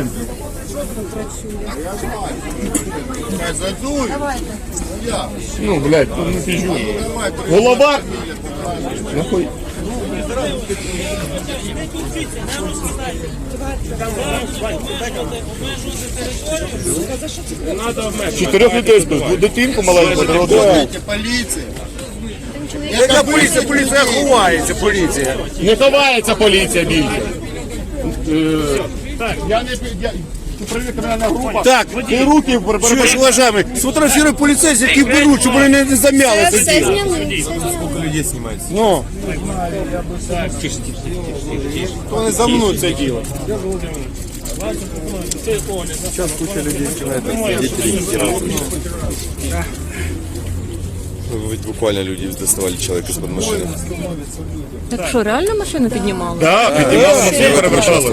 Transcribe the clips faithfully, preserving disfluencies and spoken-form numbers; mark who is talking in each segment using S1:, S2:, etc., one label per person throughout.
S1: документи. Ну, блядь, ну не пизжу. Голова! Нахуй. Чотирьох людей збив, дитинку маленьку.
S2: Поліція.
S3: Яка поліція? Поліція ховається, поліція.
S1: Не ховається поліція більше. Так, я не... Управління кримінальна група.
S3: Так,
S1: ти руки
S3: чуєш, уважаємо, сфотографіруй поліцейських, які беруть, щоб вони не замяли це діло.
S2: Скільки людей знімається?
S3: Ну. То не за мною це діло.
S2: Сейчас куча людей снимает. Ведь буквально люди доставали человека из-под машины.
S4: Так що, реально машину піднімали?
S1: Так, піднімали машину, перевертали.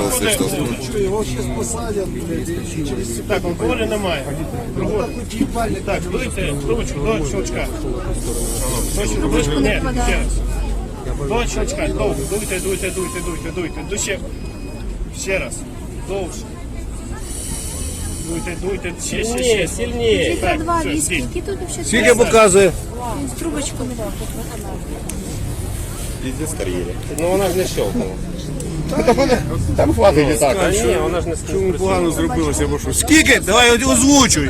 S5: Так, алкоголю немає. Так, дуйте ручку до щелчка. До щелчка, ні, ще раз. До щелчка, довго, дуйте, дуйте, дуйте, дуйте, дуйте. Дуще. Ще раз. Довше. Дуйте, дуйте, ще, ще, ще. Сильніше.
S6: Літра два віскі, які тут взагалі?
S3: Скільки показує?
S6: З трубочками.
S2: Пиздец карьере.
S5: Ну вона ж не щелкнула.
S1: Там хватить і так.
S5: Ні, вона ж не
S3: Чому погано зробилося, бо що? Скільки? Давай озвучуй.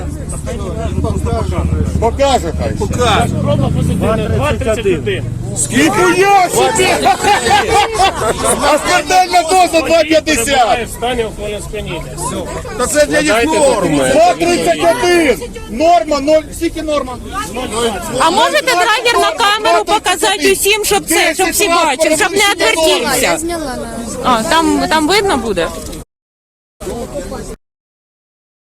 S1: Покаже хай.
S3: Покаж.
S5: Проба позитивна, два тридцять один.
S1: Скільки я собі? А смертельна доза два п'ятдесят.
S5: В стані алкогольного сп'яніння.
S3: Та це для них норми.
S1: два тридцять один. Норма, ноль. Скільки норма?
S4: А можете драгер на камеру показати усім, щоб це, щоб всі бачили, щоб не
S6: Я
S4: відвертівся?
S6: зняла на...
S4: А, там, там видно буде?